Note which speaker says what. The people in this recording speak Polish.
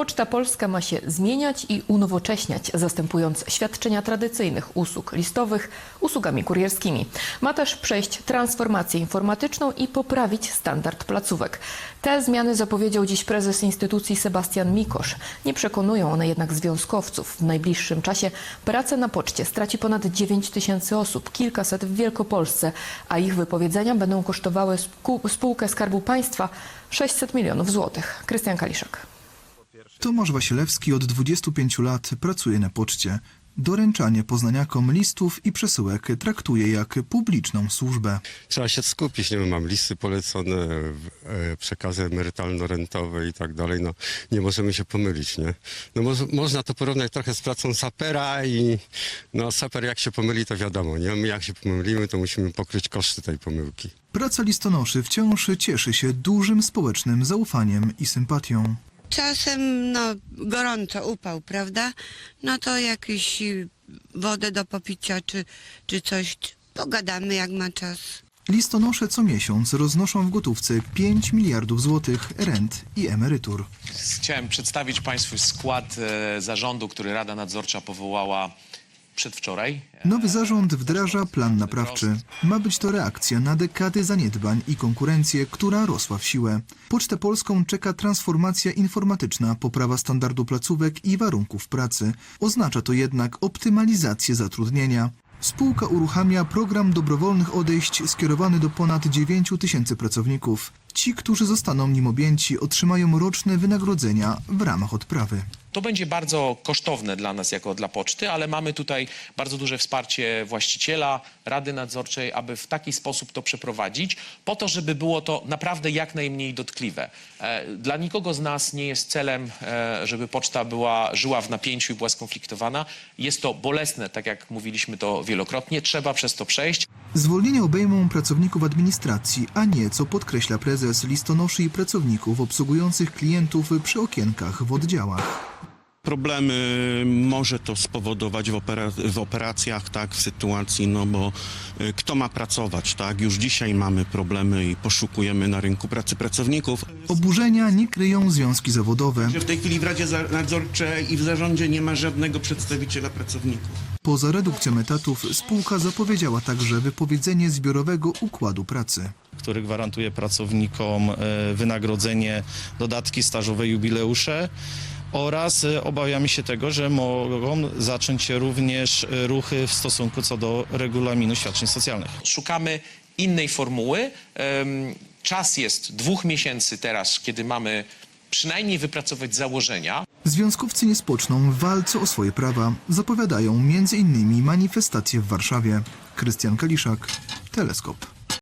Speaker 1: Poczta Polska ma się zmieniać i unowocześniać, zastępując świadczenia tradycyjnych usług listowych usługami kurierskimi. Ma też przejść transformację informatyczną i poprawić standard placówek. Te zmiany zapowiedział dziś prezes instytucji Sebastian Mikosz. Nie przekonują one jednak związkowców. W najbliższym czasie pracę na poczcie straci ponad 9 tysięcy osób, kilkaset w Wielkopolsce, a ich wypowiedzenia będą kosztowały spółkę Skarbu Państwa 600 milionów złotych. Krystian Kaliszak.
Speaker 2: Tomasz Wasilewski od 25 lat pracuje na poczcie. Doręczanie poznaniakom listów i przesyłek traktuje jak publiczną służbę.
Speaker 3: Trzeba się skupić, nie wiem, mam listy polecone, przekazy emerytalno-rentowe i tak dalej, no nie możemy się pomylić, nie? No można to porównać trochę z pracą sapera i no saper jak się pomyli, to wiadomo, nie? My jak się pomylimy, to musimy pokryć koszty tej pomyłki.
Speaker 2: Praca listonoszy wciąż cieszy się dużym społecznym zaufaniem i sympatią.
Speaker 4: Czasem, gorąco, upał, prawda? No to jakąś wodę do popicia czy coś, pogadamy jak ma czas.
Speaker 2: Listonosze co miesiąc roznoszą w gotówce 5 miliardów złotych rent i emerytur.
Speaker 5: Chciałem przedstawić Państwu skład zarządu, który Rada Nadzorcza powołała przedwczoraj.
Speaker 2: Nowy zarząd wdraża plan naprawczy. Ma być to reakcja na dekady zaniedbań i konkurencję, która rosła w siłę. Pocztę Polską czeka transformacja informatyczna, poprawa standardu placówek i warunków pracy. Oznacza to jednak optymalizację zatrudnienia. Spółka uruchamia program dobrowolnych odejść skierowany do ponad 9 tysięcy pracowników. Ci, którzy zostaną nim objęci, otrzymają roczne wynagrodzenia w ramach odprawy.
Speaker 5: To będzie bardzo kosztowne dla nas jako dla poczty, ale mamy tutaj bardzo duże wsparcie właściciela, Rady Nadzorczej, aby w taki sposób to przeprowadzić, po to, żeby było to naprawdę jak najmniej dotkliwe. Dla nikogo z nas nie jest celem, żeby poczta żyła w napięciu i była skonfliktowana. Jest to bolesne, tak jak mówiliśmy to wielokrotnie, trzeba przez to przejść.
Speaker 2: Zwolnienia obejmą pracowników administracji, a nie, co podkreśla prezes, listonoszy i pracowników obsługujących klientów przy okienkach w oddziałach.
Speaker 6: Problemy może to spowodować w operacjach, tak, w sytuacji, bo kto ma pracować, tak? Już dzisiaj mamy problemy i poszukujemy na rynku pracy pracowników.
Speaker 2: Oburzenia nie kryją związki zawodowe.
Speaker 6: W tej chwili w Radzie Nadzorczej i w zarządzie nie ma żadnego przedstawiciela pracowników.
Speaker 2: Poza redukcją etatów spółka zapowiedziała także wypowiedzenie zbiorowego układu pracy,
Speaker 7: który gwarantuje pracownikom wynagrodzenie, dodatki stażowe, jubileusze. Oraz obawiamy się tego, że mogą zacząć się również ruchy w stosunku co do regulaminu świadczeń socjalnych.
Speaker 5: Szukamy innej formuły. Czas jest 2 miesięcy teraz, kiedy mamy przynajmniej wypracować założenia.
Speaker 2: Związkowcy nie spoczną w walce o swoje prawa. Zapowiadają m.in. manifestacje w Warszawie. Krystian Kaliszak, Teleskop.